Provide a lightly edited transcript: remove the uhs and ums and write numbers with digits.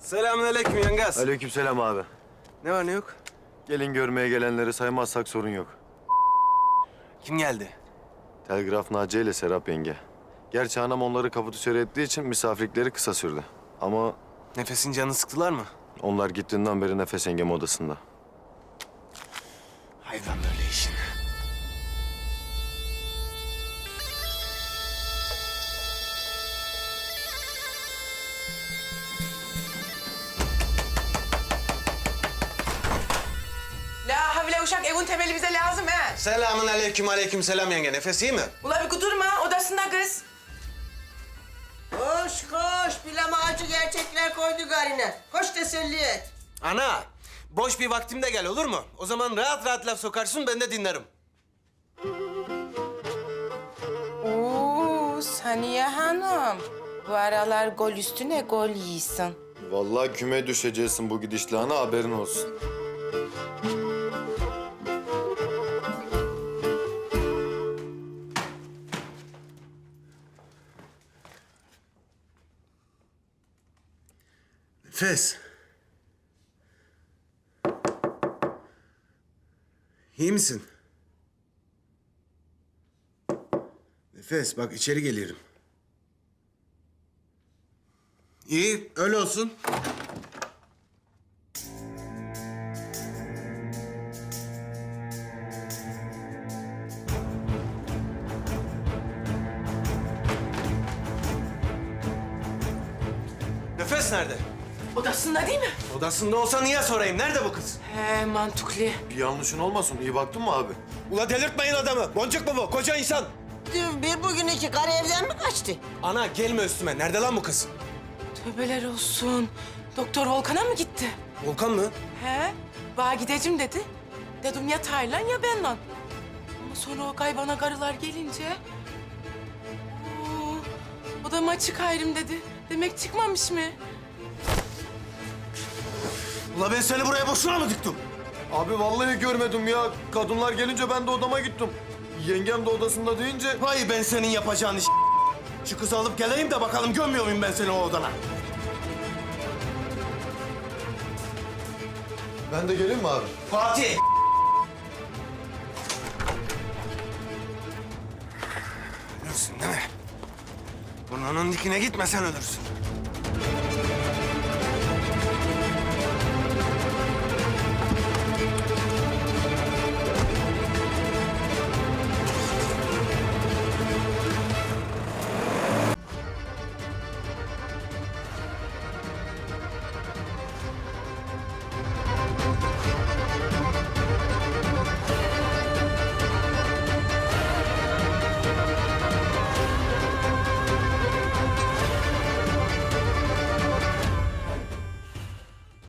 Selamünaleyküm yengaz. Aleykümselam abi. Ne var ne yok? Gelin görmeye gelenleri saymazsak sorun yok. Kim geldi? Telgraf Naciye ile Serap yenge. Gerçi anam onları kapatüsörü ettiği için misafirlikleri kısa sürdü. Ama Nefesin canını sıktılar mı? onlar gittiğinden beri Nefes yengem odasında. Hayvan böyle işin. La havle uşak evin temeli bize lazım he. Selamünaleyküm, aleykümselam yenge. Nefes iyi mi? Ula bir kudurma odasında kız. Koş koş, bilem ağacı gerçekler koydu garine. Koş teselli et. Ana, boş bir vaktimde gel olur mu? O zaman rahat rahat laf sokarsın, ben de dinlerim. Oo Saniye Hanım. Bu aralar gol üstüne gol yiyorsun. Vallahi küme düşeceksin bu gidişle ana, haberin olsun. Nefes. İyi misin? Nefes, bak içeri geliyorum. İyi, öyle olsun. Nefes nerede? Odasında değil mi? Odasında olsa niye sorayım? Nerede bu kız? He mantıklı. Bir yanlışın olmasın, iyi baktın mı abi? Ula delirtmeyin adamı. Boncuk mu bu? Koca insan. Dün bir bugün iki karı evden mi kaçtı? Ana gelme üstüme. Nerede lan bu kız? Tövbeler olsun. Doktor Volkan'a mı gitti? Volkan mı? He? Bana gideceğim dedi. Dedim ya Taylan ya benle. Ama sonra o kaybana karılar gelince... Oo, odama çıkayım dedi. Demek çıkmamış mı? Ula ben seni buraya boşuna mı diktim? Abi vallahi görmedim ya. Kadınlar gelince ben de odama gittim. Yengem de odasında deyince... Vay ben senin yapacağın iş. Şu kızı alıp geleyim de bakalım gömüyor muyum ben seni o odana? Ben de geleyim mi abi? Fatih! Ölürsün değil mi? Burnunun dikine gitmesen ölürsün.